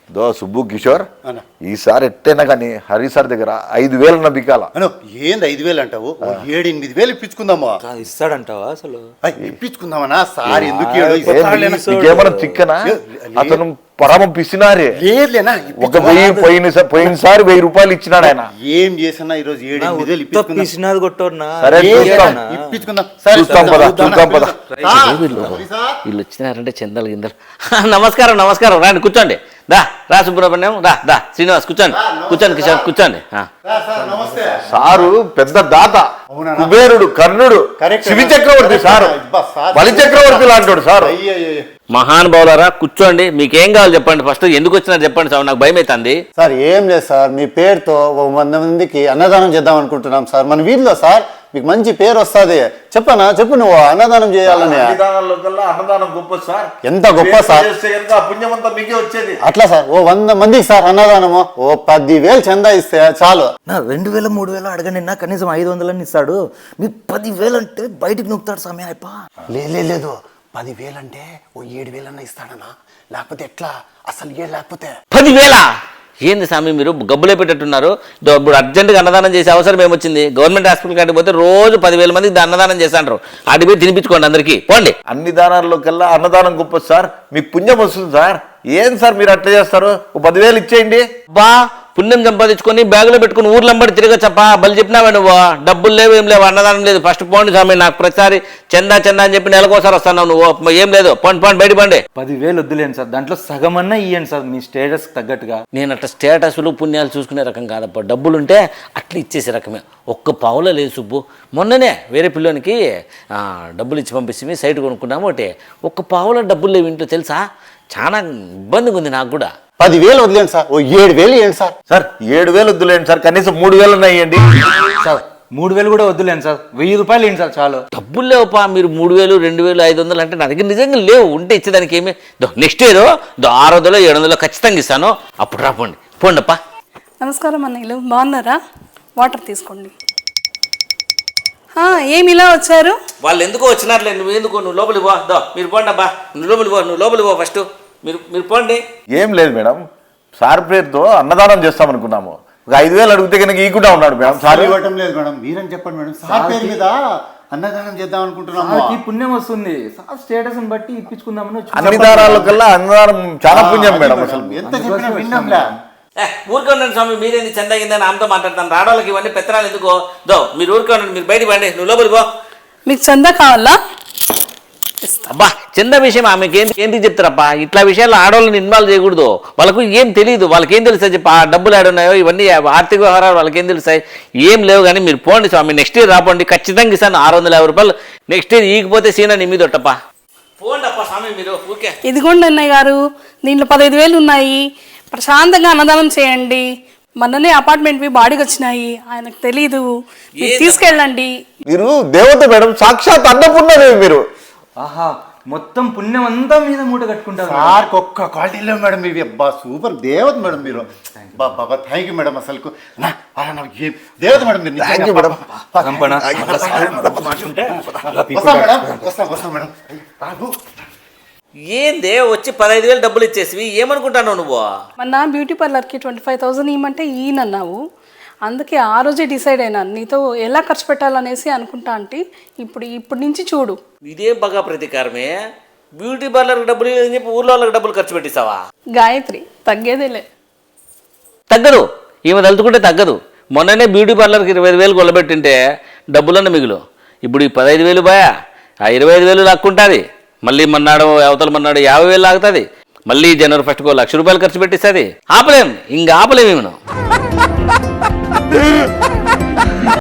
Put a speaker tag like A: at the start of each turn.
A: సుబ్బు కిషోర్ ఈసారి ఎట్టైనా కానీ హరి సార్ దగ్గర 5,000 బికాల.
B: ఏంది 5,000 అంటావు? 7-8,000 ఇప్పించుకుందామా?
C: ఇస్తాడంటావా అసలు?
B: ఇప్పించుకుందామనా సార్? ఎందుకు
A: ఏమన్నా చిక్కనా? అతను పరమ పిసినారే.
B: లేదులేనా,
A: ఒక 1000 పోయినసారి 1000 రూపాయలు ఇచ్చినాడు ఆయన.
B: ఏం చేసినా ఈ రోజు 7-8,000
A: ఇప్పించుకుందాం.
D: వీళ్ళు వచ్చినారంటే చందాలు గిందలు. నమస్కారం నమస్కారం, రండి కూర్చోండి. రా సుబ్రహ్మణ్యం, రా శ్రీనివాస్ కూర్చోండి కిషోర్ కూర్చోండి.
A: సారు పెద్ద దాత, కుబేరుడు, కర్ణుడు, శివి చక్రవర్తి సారు, బలి చక్రవర్తి లాంటి సార్.
D: మహానుభావులారా కూర్చోండి, మీకేం కావాలి చెప్పండి. ఫస్ట్ ఎందుకు వచ్చినారు చెప్పండి సార్, నాకు భయం అవుతుంది.
B: సార్ ఏం లేదు సార్, మీ పేరుతో 100 మందికి అన్నదానం చేద్దాం అనుకుంటున్నాం సార్. మన వీధిలో సార్ మీకు మంచి పేరు వస్తుంది. చెప్పు నువ్వు అన్నదానం చేయాలని.
A: అన్నదానం గొప్ప సార్.
B: ఎంత గొప్ప సార్,
A: పుణ్యమంతా మీకే వచ్చేది.
B: అట్లా సార్ ఓ 100 మందికి సార్ అన్నదానము ఓ 10,000 చందా ఇస్తే చాలు.
C: 2,000 3,000 అడగండి, కనీసం 500 ఇస్తాడు. మీకు 10,000 అంటే బయటికి నొక్కుతాడు సమయం అయిపో.
B: లేదు 10,000 అంటే ఓ 7,000 అన్న ఇస్తాడనా? లేకపోతే ఎట్లా? అసలు లేకపోతే
D: 10,000 ఏంది స్వామి మీరు గబ్బులే పెట్టట్టున్నారు? ఇప్పుడు అర్జెంటుగా అన్నదానం చేసే అవసరం ఏమొచ్చింది? గవర్నమెంట్ హాస్పిటల్ కాడికి పోతే రోజు 10,000 మందికి అన్నదానం చేస్తాంటారు. ఆడి పోయి తినిపించుకోండి అందరికీ, పోండి.
A: అన్ని దానాల్లో కల్లా అన్నదానం గొప్ప సార్. మీకు పుణ్యం వస్తుంది సార్. ఏం సార్ మీరు అట్లా చేస్తారు? 10,000 ఇచ్చేయండి.
D: పుణ్యం సంపాదించుకొని బ్యాగులో పెట్టుకుని ఊర్లంబడి తిరగచ్చప్పా. బలి చెప్పినావా నువ్వు? డబ్బులు లేవు, ఏం లేవు, అన్నదానం లేదు. ఫస్ట్ పోండి స్వామి. నాకు ప్రతిసారి చందా అని చెప్పి నెలకోసారి వస్తున్నావు నువ్వు. ఏం లేదు, పోండి బయట పండి.
C: 10,000 వద్దులేండి సార్, దాంట్లో సగమన్నా ఇవ్వండి సార్ మీ స్టేటస్ తగ్గట్టుగా.
D: నేను అట్లా స్టేటస్లు పుణ్యాలు చూసుకునే రకం కాదప్ప. డబ్బులుంటే అట్లా ఇచ్చేసే రకమే. ఒక్క పావులో లేదు సుబ్బు. మొన్ననే వేరే పిల్లోనికి డబ్బులు ఇచ్చి పంపిస్తే సైట్ కొనుక్కున్నాము. ఒకటి ఒక్క పావులో డబ్బులు లేవు ఇంట్లో, తెలుసా? చాలా ఇబ్బందిగా ఉంది నాకు కూడా.
B: 10,000 వదిలేండి సార్, ఓ 7,000 ఇవ్వండి సార్.
A: సార్ 7,000 వద్దులేండి సార్, కనీసం 3,000 ఇవ్వండి
C: సార్. 3,000 కూడా వద్దులేండి సార్, 1,000 రూపాయలు ఇవ్వండి సార్ చాలు.
D: డబ్బులు లేవుపా. మీరు 3,000 2,000 500 అంటే నా దగ్గర నిజంగా లేవు. ఉంటే ఇచ్చేదానికి ఏమి. నెక్స్ట్ ఇయర్ 600 700 ఖచ్చితంగా ఇస్తాను. అప్పుడు రాపోండి, పోండప్పా.
E: నమస్కారం అన్నయ్యలు, బాగున్నారా? వాటర్ తీసుకోండి. ఏమి ఇలా వచ్చారు?
D: వాళ్ళు ఎందుకో వచ్చినారులే. నువ్వు ఎందుకో, నువ్వు లోపలికి పో. మీరు పోండి అబ్బా, నువ్వు లోపలికి పో ఫస్ట్. మీరు పోండి.
A: ఏం లేదు మేడం, సార్ పేరుతో అన్నదానం చేస్తాం అనుకున్నాము. ఒక 5,000 అడిగితే కనుక ఈకుండా ఉన్నాడు మేడం. సార్
B: ఇవ్వటం లేదు మేడం, మీరని చెప్పండి మేడం. సార్ పేరు మీద అన్నదానం చేద్దాం అనుకుంటున్నాము.
C: పుణ్యం వస్తుంది సార్, స్టేటస్ బట్టి ఇప్పించుకుందామని.
A: అన్ని దానాల కల్లా అన్నదానం చాలా పుణ్యం మేడం. అసలు
B: ఎంత చెప్పినా విన్నాంలే.
D: ఊరికే ఉండండి స్వామి. మీరేంది చందా కింద ఆమెతో మాట్లాడతాను. రావడానికి ఇవన్నీ పెత్తనాలు ఎందుకో. మీరు ఊరికే ఉండండి, మీరు బయట పండి. నువ్వు లోపలికి పో.
E: మీకు చందా కావాలా?
D: అబ్బా, చందా విషయం ఆమెకి ఏంటి చెప్తారబ్బా? ఇట్లా విషయాల్లో ఆడవాళ్ళని ఇన్వాల్వ్ చేయకూడదు. వాళ్ళకు ఏం తెలియదు. వాళ్ళకి ఏం తెలుస్తాయి చెప్పి? ఆ డబ్బులు ఆడున్నాయో ఇవన్నీ ఆర్థిక వ్యవహారాలు వాళ్ళకి ఏం తెలుస్తాయి? ఏం లేవు. కానీ మీరు పోండి స్వామి. నెక్స్ట్ ఇయర్ రాపోండి, ఖచ్చితంగా ఇస్తాను 650 రూపాయలు. నెక్స్ట్ ఇయర్ ఈగిపోతే సీనా నీ మీద ఒట్టప్పా. పోండి అప్ప స్వామి మీరు. ఓకే,
E: ఇదిగోండి అన్నయ్య గారు, దీంట్లో 15,000 ఉన్నాయి. ప్రశాంతంగా అన్నదానం చేయండి. మొన్ననే అపార్ట్మెంట్వి బాడీకి వచ్చినాయి, ఆయనకు తెలీదు. తీసుకెళ్ళండి.
A: మీరు దేవత మేడం, సాక్షాత్ అన్నపూర్ణదేవి మీరు.
C: ఆహా, మొత్తం పుణ్యం అంతా మీద మూట కట్టుకుంటారు.
B: సార్ ఒక్క క్వాలిటీ లేవు మేడం ఇవి. అబ్బా సూపర్ దేవత మేడం మీరు. బాబా థ్యాంక్ యూ మేడం. అసలు దేవత మేడం మీరు. వస్తాం మేడం.
D: ఏందే వచ్చి 15,000 డబ్బులు ఇచ్చేసి ఏమనుకుంటాను నువ్వు?
E: మొన్న బ్యూటీ పార్లర్కి 25,000 ఇవ్వమంటే ఈయనన్నావు. అందుకే ఆ రోజే డిసైడ్ అయినాను నీతో ఎలా ఖర్చు పెట్టాలనేసి అనుకుంటా. అంటే ఇప్పుడు నుంచి చూడు.
D: ఇదే బాగా ప్రతీకారమే. బ్యూటీ పార్లర్కి డబ్బులు అని చెప్పి ఊర్లో వాళ్ళకి డబ్బులు ఖర్చు పెట్టిస్తావా?
E: గాయత్రి తగ్గేదేలే.
D: తగ్గదు, ఈమె తలుచుకుంటే తగ్గదు. మొన్ననే బ్యూటీ పార్లర్కి 25,000 కొలబెట్టింటే డబ్బులన్న మిగులు. ఇప్పుడు ఈ 15,000 బాయా, ఆ 25,000 లాక్కుంటుంది. మళ్ళీ మన్నాడు అవతల మన్నాడు 50,000 లాగుతుంది. మళ్ళీ జనవరి 1st 1,00,000 రూపాయలు ఖర్చు పెట్టిస్తుంది. ఆపలేం, ఇంకా ఆపలేము.